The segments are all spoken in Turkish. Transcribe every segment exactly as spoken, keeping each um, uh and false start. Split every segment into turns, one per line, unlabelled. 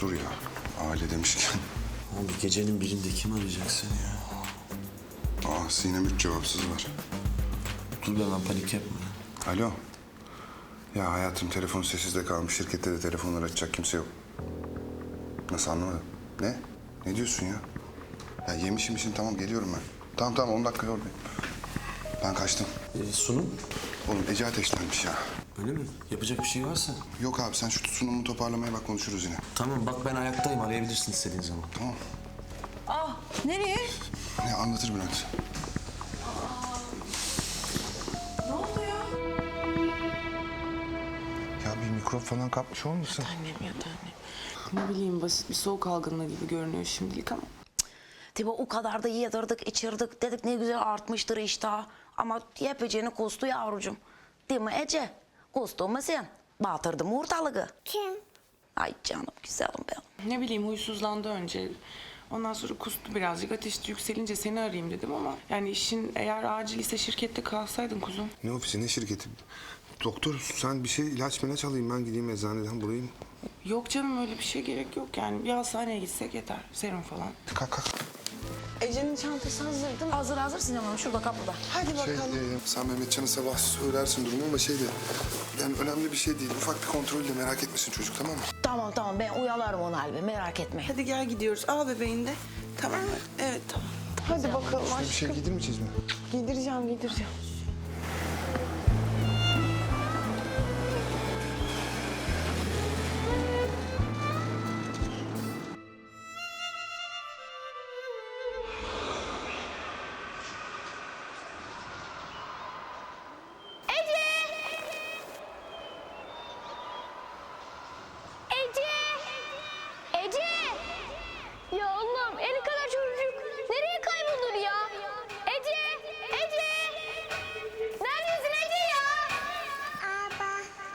dur ya. Aile demişken.
Abi gecenin birinde kim arayacak seni ya?
Aa Sinem üç cevapsız var.
Dur be lan, panik yapma.
Alo. Ya hayatım telefon sessizde kalmış. Şirkette de telefonlar açacak kimse yok. Nasıl anlamadım? Ne? Ne diyorsun ya? Ya yemişim işin tamam geliyorum ben. Tamam tamam on dakika oradayım. Ben kaçtım.
Ee, sunum?
Oğlum Ece ateşlenmiş ya.
Öyle mi? Yapacak bir şey varsa.
Yok abi sen şu sunumu toparlamaya bak konuşuruz yine.
Tamam bak, ben ayaktayım, arayabilirsin istediğin zaman.
Tamam.
Ah, nereye?
Ne anlatır Bülent.
Ne oldu ya?
Ya bir mikrop falan kapmış olmasın?
Annem ya da annem. Ne bileyim, basit bir soğuk algınlığı gibi görünüyor şimdilik ama.
Tabii o kadar da yedirdik, içirdik. Dedik ne güzel artmıştır iştah. Ama yapacağını kustu yavrucuğum. Değil mi Ece? Kustun mu sen? Batırdım ortalığı.
Kim?
Ay canım güzelim benim.
Ne bileyim, huysuzlandı önce. Ondan sonra kustu birazcık. Ateşi yükselince seni arayayım dedim ama... yani işin eğer acil ise şirkette kalsaydın kuzum.
Ne ofisi ne şirketi? Doktor sen bir şey ilaç milaç alayım ben gideyim eczaneden bulayım.
Yok canım, öyle bir şey gerek yok yani. Bir hastaneye gitsek yeter. Serum falan.
Kalk kalk.
Ece'nin çantası hazır değil mi?
Hazır hazır Sinem Hanım, şurada kapıda.
Hadi
Şey,
bakalım.
e, sen Mehmetcan'a sabah söylersin durumu ama şey de... yani önemli bir şey değil. Ufak bir kontrolle merak etmesin çocuk tamam mı?
Tamam tamam, ben uyalarım onu halime, merak etme.
Hadi gel gidiyoruz. Al bebeğini de. Tamam mı? Evet tamam. Hadi bakalım
Bir şey
aşkım.
giydirmeyeceğiz mi?
Giydireceğim, giydireceğim.
Ece! Ece! Ya Allah'ım, el kadar çocuk nereye kaybolur ya? Ece! Ece! Neredesin Ece ya? Aba.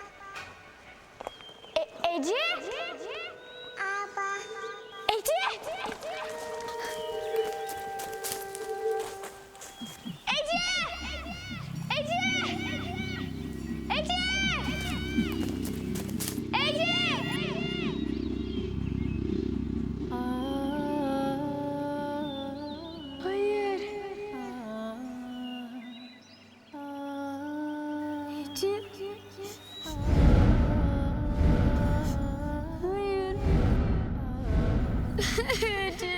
E, Ece? Aba. Ece! Ece! Ece! Ece! Ece! Hayır. Ece. Hayır. Ece.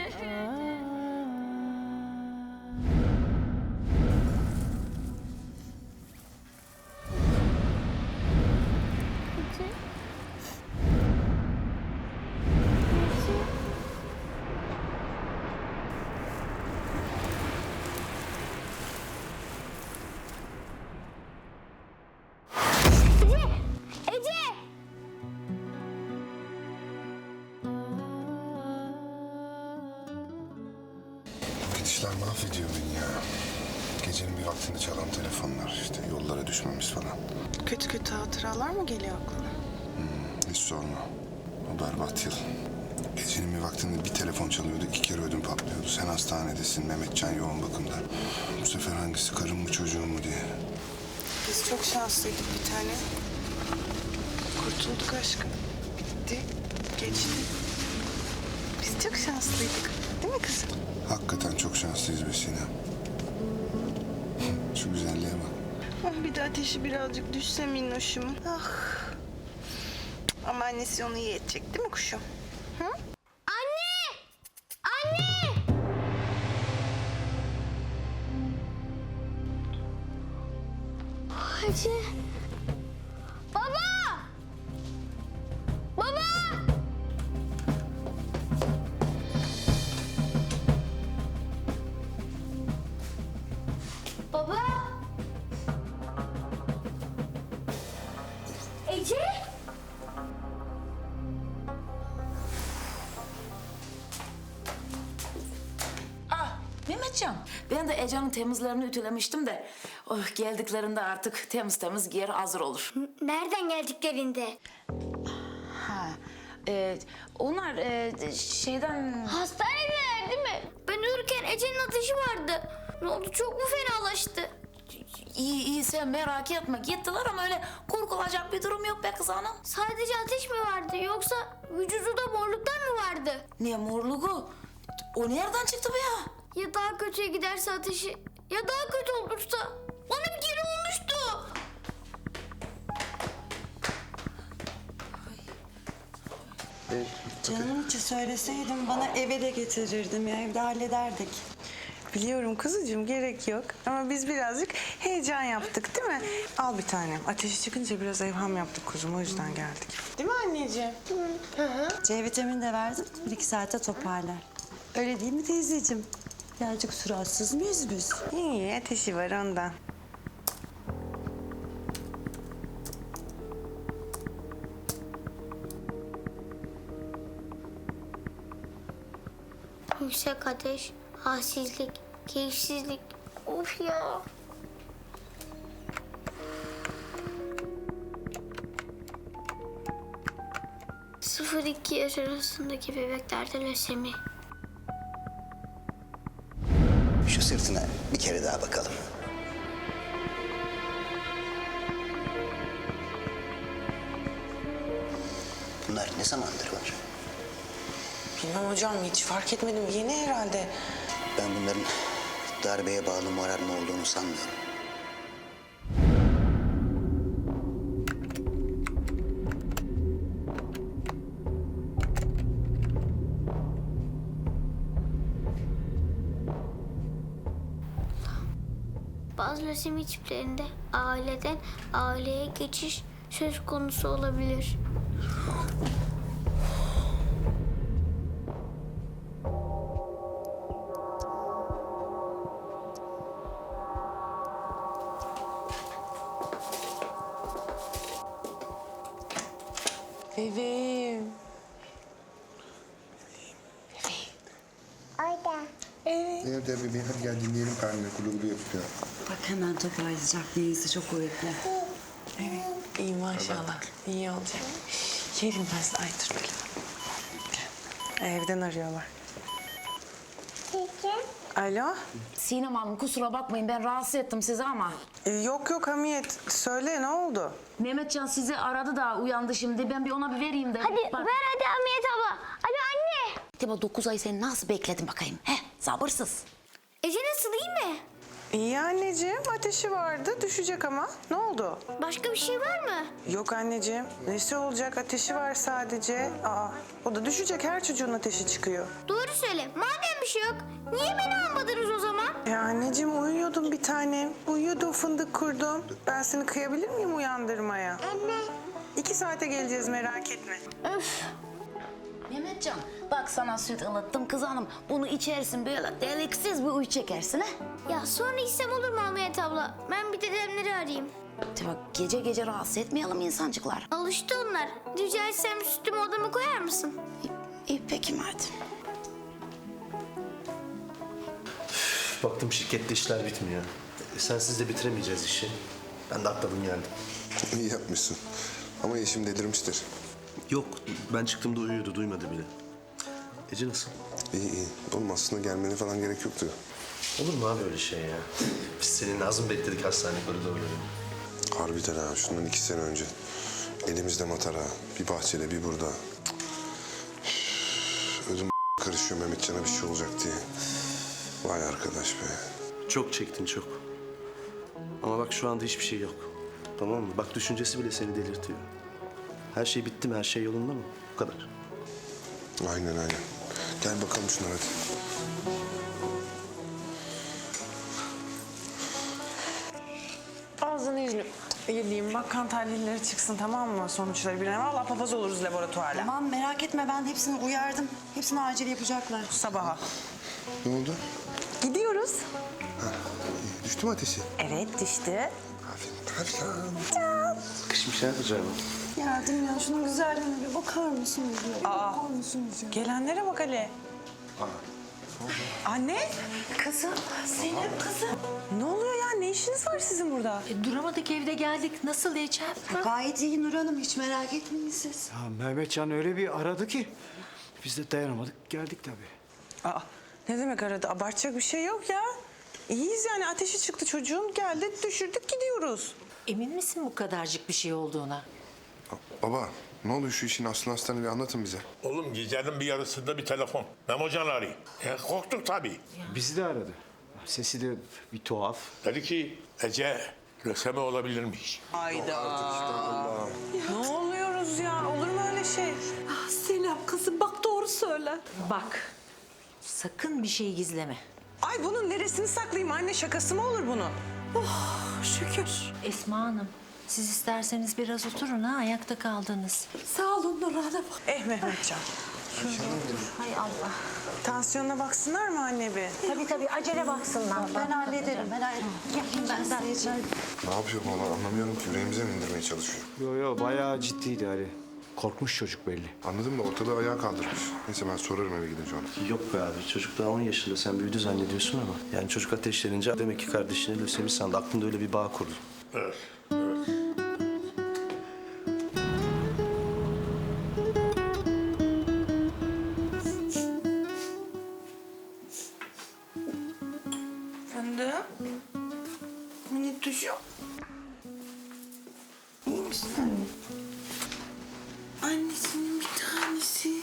Ece. Ece! Ece!
Gidişler mahvediyor beni ya. Gecenin bir vaktinde çalan telefonlar işte yollara düşmemiz falan.
Kötü kötü hatıralar mı geliyor aklına?
Hiç sorma. O berbat yıl. Gecenin bir vaktinde bir telefon çalıyordu, iki kere ödüm patlıyordu. Sen hastanedesin, Mehmetcan yoğun bakımda. Bu sefer hangisi, karım mı çocuğum mu diye.
Biz çok şanslıydık bir tane. Kurtulduk aşkım. Bitti. Geçti. Biz çok şanslıydık. Değil mi kızım?
Hakikaten çok şanslıyız be Sinem. Şu güzelliğe bak.
Ah, bir de ateşi birazcık düşse minnoşum. Ah. Ama annesi onu iyi edecek değil mi kuşum? Hı?
Anne! Anne! Ece. Baba! Baba! Baba! Ece!
Ah Mehmetcan, ben de Ece'nin temizlerini ütülemiştim de... oh, geldiklerinde artık temiz temiz giyer hazır olur.
Nereden geldiklerinde?
Ha, e, onlar e, şeyden...
Hastanedeler değil mi? Ben uyurken Ece'nin ateşi vardı. Ne oldu, çok mu fenalaştı?
İyi iyi, sen merak etme, gittiler ama öyle korkulacak bir durum yok be kız hanım.
Sadece ateş mi vardı, yoksa vücudu da morluktan mı vardı.
Ne morluğu? O nereden çıktı bu ya?
Ya daha kötüye giderse ateşi, ya daha kötü olursa. Bana bir kere olmuştu.
Canım içi söyleseydin bana eve de getirirdim ya, evde hallederdik.
Biliyorum kuzucuğum, gerek yok. Ama biz birazcık heyecan yaptık değil mi? Al bir tanem. Ateşi çıkınca biraz evham yaptık kuzum, o yüzden geldik. Değil mi anneciğim?
C vitamini de verdim, bir iki saate toparlar. Öyle değil mi teyzeciğim? Birazcık suratsız mıyız biz?
İyi, ateşi var ondan.
Yüksek ateş, halsizlik, keyifsizlik. Of ya. Sıfır iki yaş arasındaki bebeklerde lösemi.
Şu sırtına bir kere daha bakalım. Bunlar ne zamandır var?
Bilmem hocam, hiç fark etmedim. Yeni herhalde.
Ben bunların darbeye bağlı morarma olduğunu sanmıyorum.
Bazı lösemi tiplerinde aileden aileye geçiş söz konusu olabilir.
Bebeğim.
Nerede bebeğim? Hadi gel dinleyelim karnını. Kulu kulu yapıyor.
Bak hemen toparlayacak, neyse çok kuvvetli.
Evet, iyi maşallah. İyi olacak. Yerim ben size. Ay dur Bilal. Gel. Evden arıyorlar. Alo?
Sinem Hanım kusura bakmayın ben rahatsız ettim sizi ama.
Ee, yok yok Hamiyet. Söyle, ne oldu?
Mehmetcan sizi aradı da uyandı şimdi. Ben bir ona bir vereyim de.
Hadi
Bak.
ver hadi Hamiyet abla. Hadi anne.
Acaba dokuz ay seni nasıl bekledim bakayım? He, sabırsız.
Ece nasıl, iyi mi?
İyi anneciğim, ateşi vardı. Düşecek ama. Ne oldu?
Başka bir şey var mı?
Yok anneciğim. Nesi olacak? Ateşi var sadece. Aa, o da düşecek. Her çocuğun ateşi çıkıyor.
Doğru söyle. Madem bir şey yok, niye beni almadınız o zaman?
Ya anneciğim uyuyordum bir tanem. Uyuyordum, fındık kurdum. Ben seni kıyabilir miyim uyandırmaya?
Anne.
İki saate geleceğiz, merak etme.
Öf. Mehmetcan bak sana süt ılıttım kız hanım. Bunu içersin böyle deliksiz bir uyu çekersin ha.
Ya sonra içsem olur mu Hamiyet abla? Ben bir dedemleri arayayım.
De bak gece gece rahatsız etmeyelim insancıklar.
Alıştı onlar. Rica etsem sütümü odama koyar mısın?
İyi, iyi peki madem.
Baktım şirkette işler bitmiyor. E, sensiz de bitiremeyeceğiz işi. Ben de atladım geldim.
İyi yapmışsın. Ama eşim delirmiştir.
Yok, ben çıktığımda uyuyordu, duymadı bile. Ece nasıl?
İyi iyi. Oğlum aslında gelmene falan gerek yoktu.
Olur mu abi öyle şey ya? Biz seninle az mı bekledik hastane koridorları?
Harbiden ha. Şundan iki sene önce. Elimizde matara. Bir bahçede bir burada. Üf, ödüm karışıyor Mehmetcan'a bir şey olacak diye. Vay arkadaş be.
Çok çektin çok. Ama bak şu anda hiçbir şey yok. Tamam mı? Bak düşüncesi bile seni delirtiyor. Her şey bitti mi? Her şey yolunda mı? Bu kadar.
Aynen aynen. Gel bakalım şunlara hadi.
Ağzını yüzünü yediğim bak kan tahlilleri çıksın tamam mı sonuçları bir an. Vallahi papaz oluruz laboratuvarla.
Tamam merak etme, ben hepsini uyardım. Hepsini acil yapacaklar.
Sabaha.
Ne oldu?
Gidiyoruz.
İyi. Düştü mü ateşi?
Evet düştü.
Aferin. Aferin.
Kış bir şey yapacağım.
Yardım ya, şunun güzelliğine bir bakar mısınız? Ya?
Aa.
Bakar mısınız ya?
Gelenlere bak Ali. Anne.
Kızım, Zeynep kızım.
Ne oluyor ya? Ne işiniz var sizin burada?
E, duramadık evde geldik. Nasıl Ecem?
Gayet iyi Nur Hanım, hiç merak etmeyin siz.
Ya Mehmetcan öyle bir aradı ki biz de dayanamadık geldik tabii.
Aa, ne demek aradı? Abartacak bir şey yok ya. İyiyiz yani ateşi çıktı çocuğun geldi düşürdük gidiyoruz.
Emin misin bu kadarcık bir şey olduğuna?
Baba Ne oluyor şu işin aslını astarını bir anlatın bize.
Oğlum gecenin bir yarısında bir telefon. Memocan arıyor. E, korktuk tabii.
Bizi de aradı. Sesi de bir tuhaf.
Dedi ki Ece lösemi olabilirmiş.
Hayda. Ne oluyoruz ya? Olur mu öyle şey?
Ah, Selam kızım bak doğru söyle. Bak sakın bir şey gizleme.
Ay bunun neresini saklayayım anne? Şakası mı olur bunun?
Şükür.
Esma Hanım, siz isterseniz biraz oturun ha, ayakta kaldınız.
Sağ olun Nur Hanım.
Eh Mehmetcan.
Hay Allah.
Tansiyonuna baksınlar mı anne bir?
Tabii tabii, acele baksınlar.
Ben hallederim. Ben hallederim. Yapayım ben size.
Ne yapıyor bu olan anlamıyorum ki. Yüreğimize mi indirmeye çalışıyor?
Yo yo bayağı ciddiydi Ali. Korkmuş çocuk belli.
Anladım da ortalığı ayağa kaldırmış. Neyse ben sorarım eve gidince ona.
Yok be abi çocuk daha on yaşında sen büyüdü zannediyorsun ama. Yani çocuk ateşlenince demek ki kardeşini lösemi sandı. Aklında öyle bir bağ kurdu.
Evet, evet.
Fındık. Minik tuşu. İyi misin anne? Annesinin bir tanesi.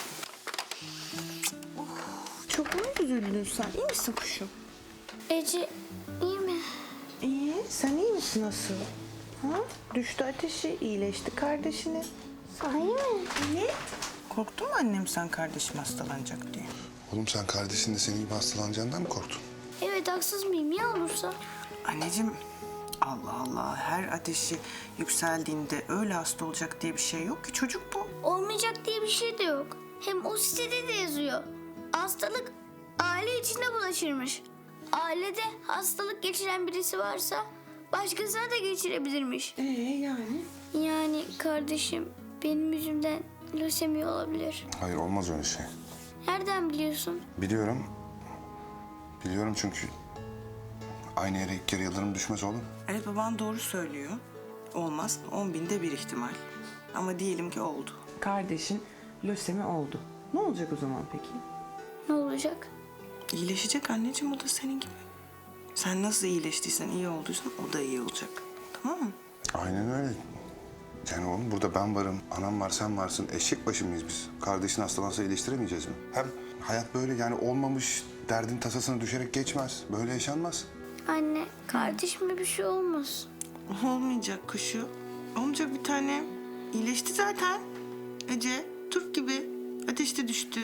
Oh, çok mu üzüldün sen? İyi misin kuşum?
Ece iyi mi?
İyi. Sen iyi misin asıl? Ha? Düştü ateşi, iyileşti kardeşini.
Sahi mi?
Evet. Korktun mu annem sen kardeşim hastalanacak diye?
Oğlum sen kardeşin de senin gibi hastalanacağından mı korktun?
Evet haksız mıyım ya olursa?
Anneciğim, Allah Allah. Her ateşi yükseldiğinde öyle hasta olacak diye bir şey yok ki. Çocuk bu.
Olmayacak diye bir şey de yok. Hem o sitede de yazıyor. Hastalık aile içinde bulaşırmış. Ailede hastalık geçiren birisi varsa başkasına da geçirebilirmiş.
Ee yani?
Yani kardeşim benim yüzümden lösemi olabilir.
Hayır olmaz öyle şey.
Nereden biliyorsun?
Biliyorum. Biliyorum çünkü aynı yere ilk kere yıldırım düşmez oğlum.
Evet baban doğru söylüyor. Olmaz. On binde bir ihtimal. Ama diyelim ki oldu. Kardeşin lösemi oldu. Ne olacak o zaman peki?
Ne olacak?
İyileşecek anneciğim o da senin gibi. Sen nasıl iyileştiysen, iyi olduysan o da iyi olacak. Tamam mı?
Aynen öyle. Yani oğlum burada ben varım, anam var, sen varsın. Eşek başı mıyız biz? Kardeşin hastalansa iyileştiremeyeceğiz mi? Hem hayat böyle yani olmamış derdin tasasına düşerek geçmez. Böyle yaşanmaz.
Anne kardeşime bir şey olmaz.
Olmayacak kuşu. Olmayacak bir tane. İyileşti zaten. Ece Türk gibi ateşte düştü.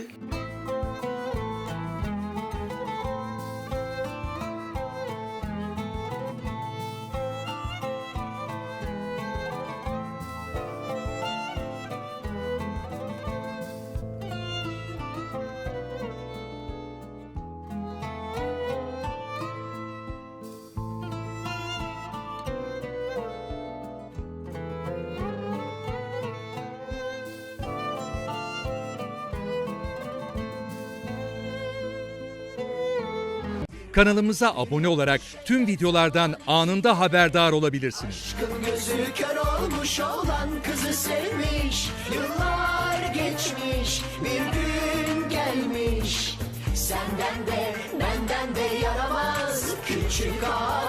Kanalımıza abone olarak tüm videolardan anında haberdar olabilirsiniz.
Aşkın gözü kör olmuş olan kızı sevmiş. Yıllar geçmiş bir gün gelmiş. Senden de benden de yaramaz küçük ağa.